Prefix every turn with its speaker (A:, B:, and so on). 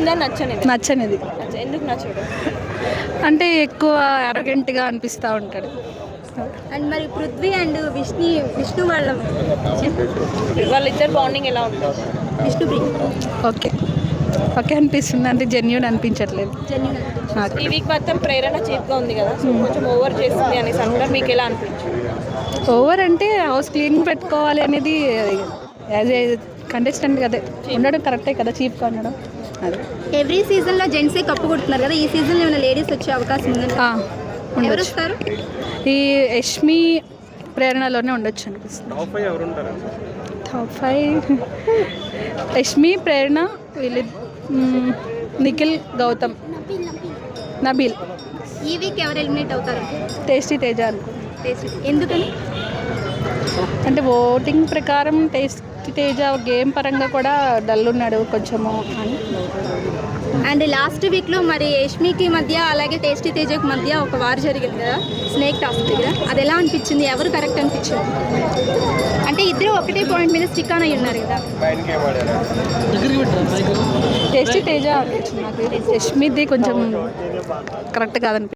A: నచ్చిందా నచ్చనిది?
B: నచ్చనిది.
A: ఎందుకు నచ్చడు?
B: అంటే ఎక్కువ అరగెంట్గా అనిపిస్తూ ఉంటాడు.
C: అండ్ మరి పృథ్వీ అండ్ విష్ణు
A: వాళ్ళిద్దరు బాండింగ్ ఎలా ఉంటుంది?
C: విష్ణుప్రియ
B: ఓకే ఓకే అనిపిస్తుంది, అంటే జెన్యూన్ అనిపించట్లేదు.
A: ఈ వీక్ మొత్తం ప్రేరణ చీప్గా ఉంది కదా, సో కొంచెం ఓవర్ చేస్తుంది అనేసి అంటారు. మీకు ఎలా అనిపించింది?
B: ఓవర్ అంటే హౌస్ క్లీన్ పెట్టుకోవాలి అనేది యాజ్ ఏ కంటెస్టెంట్ కదా ఉండడం కరెక్టే కదా, చీప్గా ఉండడం. అదే
C: ఎవ్రీ సీజన్లో జెంట్సే కప్పు కొడుతున్నారు కదా, ఈ సీజన్లో ఏమైనా లేడీస్ వచ్చే అవకాశం ఉందంటే ఎవరు
B: ఉండొచ్చు.
C: వస్తారు?
B: ఈ యష్మి ప్రేరణలోనే ఉండొచ్చు అనిపిస్తుంది. టాప్ 5 యష్మి, ప్రేరణ, వీళ్ళు, నిఖిల్, గౌతమ్, నబీల్.
C: ఈ వీక్ ఎవరు ఎలిమినేట్ అవుతారు?
B: టేస్టీ తేజ అనుకో.
C: ఎందుకని?
B: అంటే ఓటింగ్ ప్రకారం టేస్టీ తేజ గేమ్ పరంగా కూడా డల్ ఉన్నాడు కొంచెము అని.
C: అండ్ లాస్ట్ వీక్లో మరి యష్మికి మధ్య అలాగే టేస్టీ తేజకి మధ్య ఒక వార్ జరిగింది కదా, స్నేక్ టాస్క్ దగ్గర. అది ఎలా అనిపించింది? ఎవరు కరెక్ట్ అనిపించింది? అంటే ఇద్దరు ఒకటే పాయింట్ మీద స్టిక్ ఆన్ అయ్యి ఉన్నారు కదా.
B: టేస్టీ తేజ అనిపించింది నాకు. యష్మిది కొంచెం కరెక్ట్ కాదనిపించింది.